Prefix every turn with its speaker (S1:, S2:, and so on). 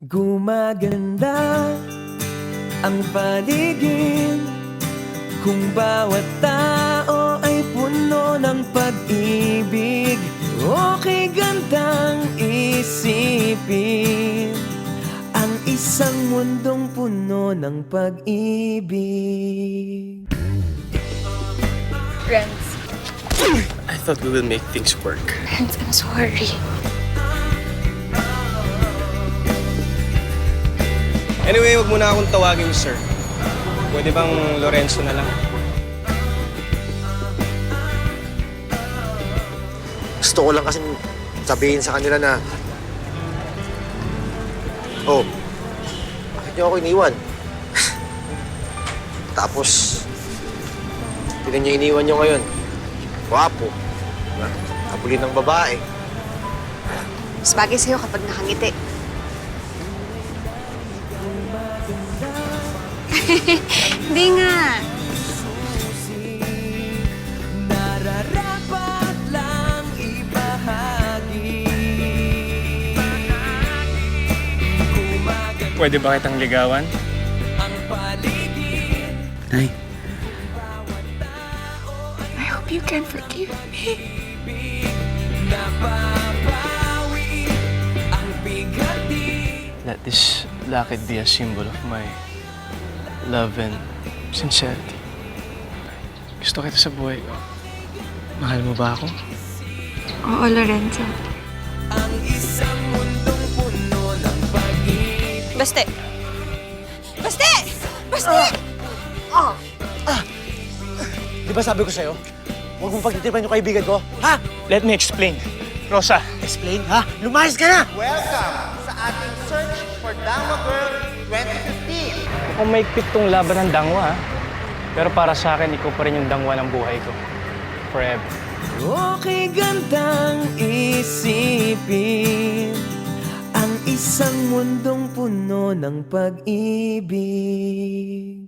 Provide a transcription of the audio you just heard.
S1: Gumaganda ang paligid kung bawat tao ay puno ng pag-ibig. Okay gandang isipin ang isang mundong puno ng pag-ibig.
S2: Renz,
S3: I thought we will make things work.
S2: Renz, I'm sorry.
S3: Anyway, wag mo na akong tawagin, sir. Pwede bang Lorenzo na lang?
S4: Gusto ko lang kasing sabihin sa kanila na, oh, bakit niyo ako iniwan? Tapos, tignan niyo iniwan niyo ngayon. Wapo. Kapuli ng babae.
S2: Mas bagay sa'yo kapag nakangiti. Hindi nga.
S1: Nararapat lang ibahagi.
S3: Pwede ba kitang ligawan?
S1: Ang paligid.
S3: Nay.
S2: I hope you can forgive me.
S1: Napapawi ang bigati.
S3: Let this lakad be a symbol of my love and sincerity. Gusto kita sa buhay ko. Mahal mo ba ako?
S2: Oo, Lorenzo.
S1: Ang isang mundong puno ng pag-ibig.
S2: Baste! Baste! Baste!
S4: Di ba sabi ko sa'yo, huwag mong pagtitipan yung kaibigan ko? Ha?
S3: Let me explain. Rosa,
S4: Explain, ha? Lumayas ka na!
S5: Welcome sa ating Search for Dangwa Girl 2015.
S3: mukhang maigpit tong laban ng dangwa, ha? Pero para sa akin, ikaw pa rin yung dangwa ng buhay ko. Forever.
S1: Okay gandang isipin ang isang mundong puno ng pag-ibig.